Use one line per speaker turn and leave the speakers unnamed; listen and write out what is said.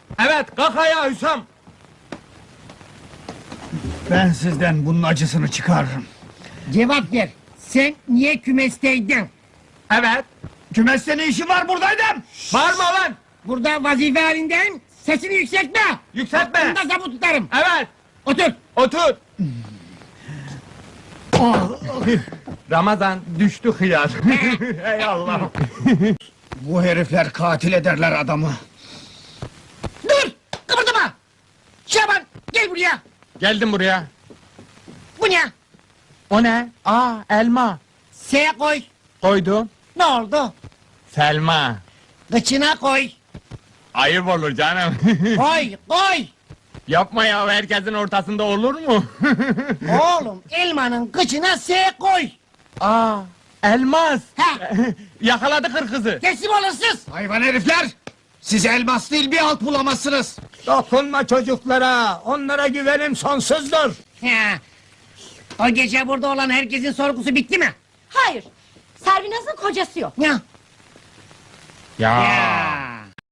Evet, kalk ayağa Hüsam.
Ben sizden bunun acısını çıkarırım.
Cevap ver. Sen niye kümesteydin?
Evet.
Kümeste ne işin var buradaydım?
Bağırma lan.
Burada vazife halindeyim. Sesini yükseltme.
Yükseltme.
Aklımda zabut tutarım.
Evet.
Otur.
Otur. Ramazan düştü hıyar. Ey Allah.
Bu herifler katil ederler adamı.
Dur. Kıpırdama. Şaban gel buraya.
Geldim buraya.
Bu ne?
O ne? Aa, elma.
S koy.
Koydum.
Ne oldu?
Selma.
Kıçına koy.
Ayıp olur canım.
Koy koy.
Yapma ya, herkesin ortasında olur mu?
Oğlum elmanın kıçına S koy.
Aa, elmas.
Ha.
Yakaladı kırkızı.
Teslim olursunuz.
Hayvan herifler! Siz elmas değil bir alt bulamazsınız.
Dokunma çocuklara, onlara güvenim sonsuzdur.
Ha. O gece burada olan herkesin sorgusu bitti mi?
Hayır. Servinaz'ın kocası yok.
Ya.
Ya.